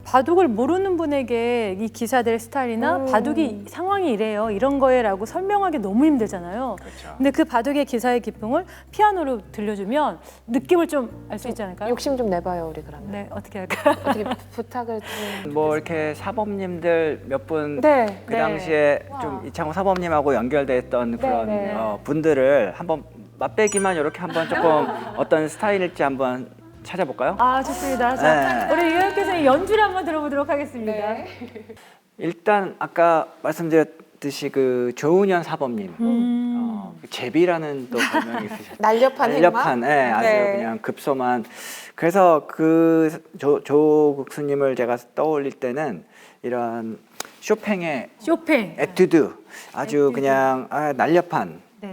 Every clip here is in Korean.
바둑을 모르는 분에게 이 기사들의 스타일이나 바둑이 상황이 이래요, 이런 거예라고 설명하기 너무 힘들잖아요. 그렇죠. 근데 그 바둑의 기사의 기풍을 피아노로 들려주면 느낌을 좀 알 수 있지 않을까요? 욕심 좀 내봐요, 우리 그러면. 네, 어떻게 할까요? 어떻게 부탁을 좀. 뭐 이렇게 사범님들 몇 분 네. 그 당시에 와. 좀 이창호 사범님하고 연결됐던 그런 네. 분들을 한번 맛배기만 이렇게 한번 조금 어떤 스타일일지 한번 찾아볼까요? 아, 좋습니다. 자, 네. 우리 유현 교수님 연주를 한번 들어보도록 하겠습니다. 네. 일단 아까 말씀드렸듯이 그 조은현 사범님 제비라는 또 별명이 있으셨죠. 날렵한 날렵한, 예, 아주 네. 그냥 급소만. 그래서 그 조국수님을 제가 떠올릴 때는 이런 쇼팽의 쇼팽. 에튜드, 아주 에튜드. 그냥 날렵한. 네.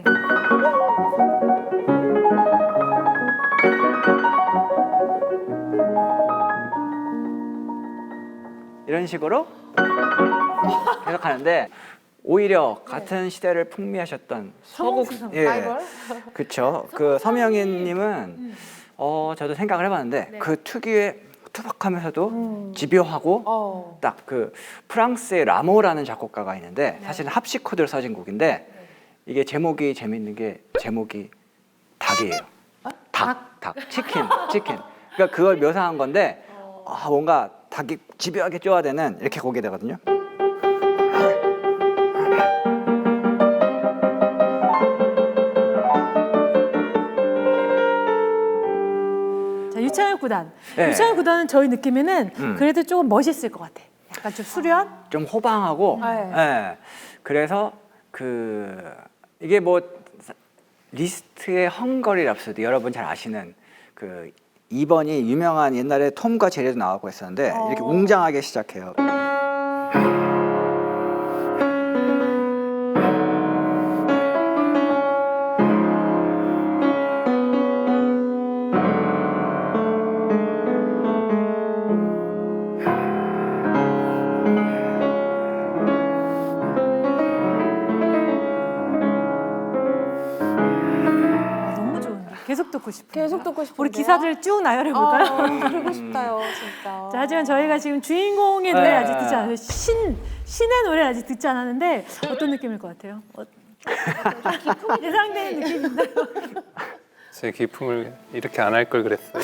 이런 식으로 계속 하는데 오히려 같은 시대를 풍미하셨던 서국수 라이벌? 그쵸. 그 서명희님은 저도 생각을 해봤는데 네. 그 특유의 투박하면서도 집요하고 딱 그 프랑스의 라모라는 작곡가가 있는데 사실은 합시 코드를 써진 곡인데 이게 제목이 재밌는 게 제목이 닭이에요. 닭, 치킨. 그러니까 그걸 묘사한 건데 뭔가 닭이 집요하게 쪼아대는 이렇게 곡이 되거든요. 자, 유창현 구단. 네. 유창현 구단은 저희 느낌에는 그래도 조금 멋있을 것 같아. 약간 좀 수려한? 좀 호방하고, 네. 예. 그래서 이게 뭐 리스트의 헝거리 랍소디 여러분 잘 아시는 그 2번이 유명한 옛날에 톰과 제리도 나오고 했었는데 이렇게 웅장하게 시작해요. 너무 좋은데. 계속 듣고 싶어요. 계속 듣고 싶은데요? 우리 기사들 쭉 나열해 볼까요? 들고 싶다요, 진짜. 자, 하지만 저희가 지금 주인공의 노래 네. 아직 듣지 않았어요. 신의 노래 아직 듣지 않았는데 어떤 느낌일 것 같아요? 기품이 예상되는 느낌인가요? 제 기품을 이렇게 안 할 걸 그랬어요.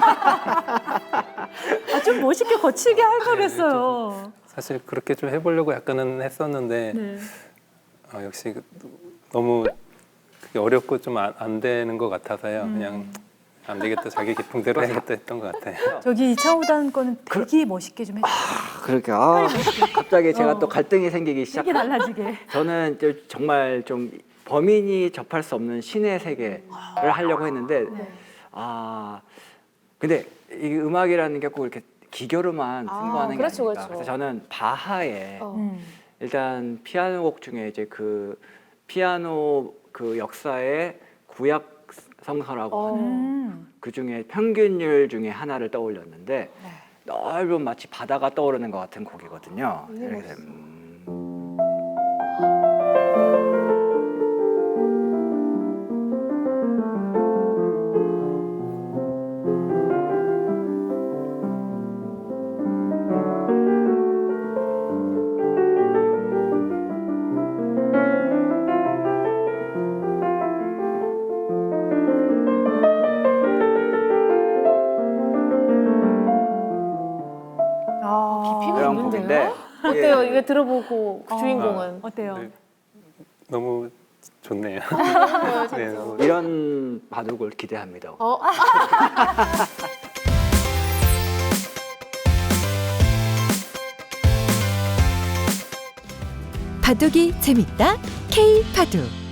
아, 좀 멋있게 거칠게 할 걸 그랬어요. 사실 그렇게 좀 해보려고 약간은 했었는데 네. 역시 너무 그게 어렵고 좀 안 되는 것 같아서요. 그냥 안 되겠다, 자기 기풍대로 해야겠다 했던 것 같아요. 저기 이창호 구단 거는 되게 멋있게 좀 해주세요. 그렇게 갑자기 제가 또 갈등이 생기기 시작. 되게 달라지게. 저는 정말 좀 범인이 접할 수 없는 신의 세계를 하려고 했는데 근데 이 음악이라는 게 꼭 이렇게 기교로만 승부하는 게 그렇죠, 아니니까. 그렇죠. 그래서 저는 바하의 음. 일단 피아노 곡 중에 이제 그 피아노 그 역사의 구약 성서라고 하는 그 중에 평균율 중에 하나를 떠올렸는데 넓은 마치 바다가 떠오르는 것 같은 곡이거든요. 그래서 이런 곡인데 어때요? 이거 들어보고 그 주인공은? 어때요? 네. 너무 좋네요. 네, 너무 이런 바둑을 기대합니다. 바둑이 재밌다 K 바둑.